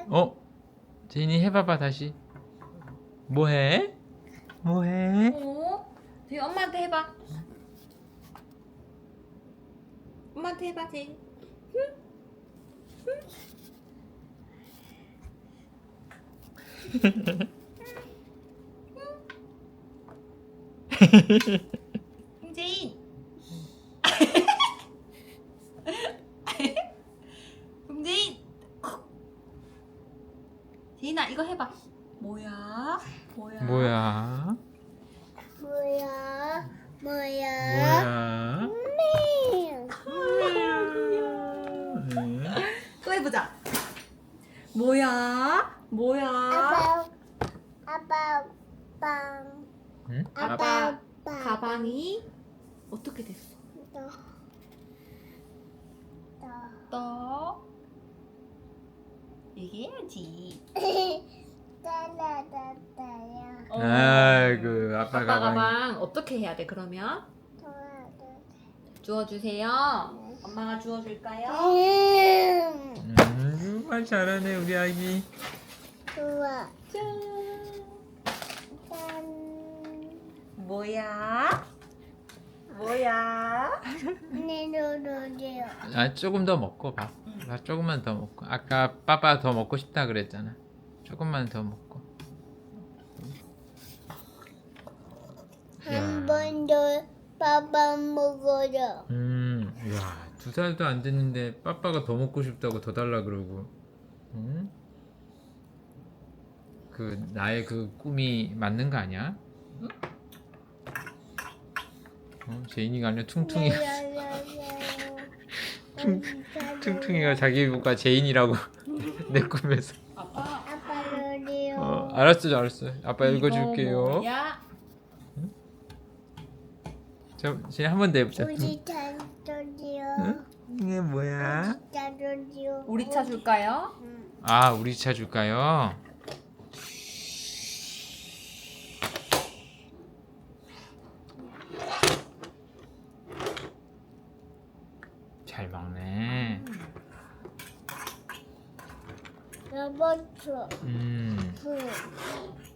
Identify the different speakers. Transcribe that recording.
Speaker 1: 제인이 해봐봐 다시. 뭐해? 뭐해?
Speaker 2: 제인 엄마한테 해봐. 엄마한테 해봐, 제인. 제인. 제인. 제인아 이거 해봐. 뭐야? 뭐야?
Speaker 1: 뭐야?
Speaker 3: 뭐야?
Speaker 1: 뭐야?
Speaker 2: 또 해보자. 뭐야? 뭐야?
Speaker 3: 아빠 빵.
Speaker 1: 응?
Speaker 2: 아빠 가방이 어떻게 됐어? 또 얘기해야지.
Speaker 3: 따라따따야.
Speaker 1: 아이고 아빠
Speaker 2: 아빠
Speaker 1: 가방.
Speaker 2: 가방 어떻게 해야 돼? 그러면 주워주세요. 엄마가 주워줄까요?
Speaker 1: 정말 잘하네 우리 아기.
Speaker 3: 좋아.
Speaker 2: 짠.
Speaker 3: 짠.
Speaker 2: 뭐야? 뭐야?
Speaker 3: 내려놓으세요.
Speaker 1: 아 조금 더 먹고 봐. 나 조금만 더 먹고. 아까 빠빠 더 먹고 싶다 그랬잖아. 조금만 더 먹고.
Speaker 3: 한 번 더 밥 먹어요.
Speaker 1: 야, 2살도 안 됐는데 빠빠가 더 먹고 싶다고 더 달라 그러고. 그 나의 그 꿈이 맞는 거 아니야? 제인이가 아니라 퉁퉁이. 퉁퉁이가 자기 이모가 제인이라고 내 꿈에서.
Speaker 2: 아빠
Speaker 3: 아빠 놀이요.
Speaker 1: 알았어. 아빠 읽어줄게요.
Speaker 2: 뭐야?
Speaker 1: 제인 한 번 더 해보자.
Speaker 3: 우리 잔소리요.
Speaker 1: 응? 이게 뭐야?
Speaker 3: 잔소리요.
Speaker 2: 우리 차 줄까요?
Speaker 1: 아, 우리 차 줄까요? 잘 먹네.
Speaker 3: 로봇.
Speaker 1: 음.
Speaker 3: 그.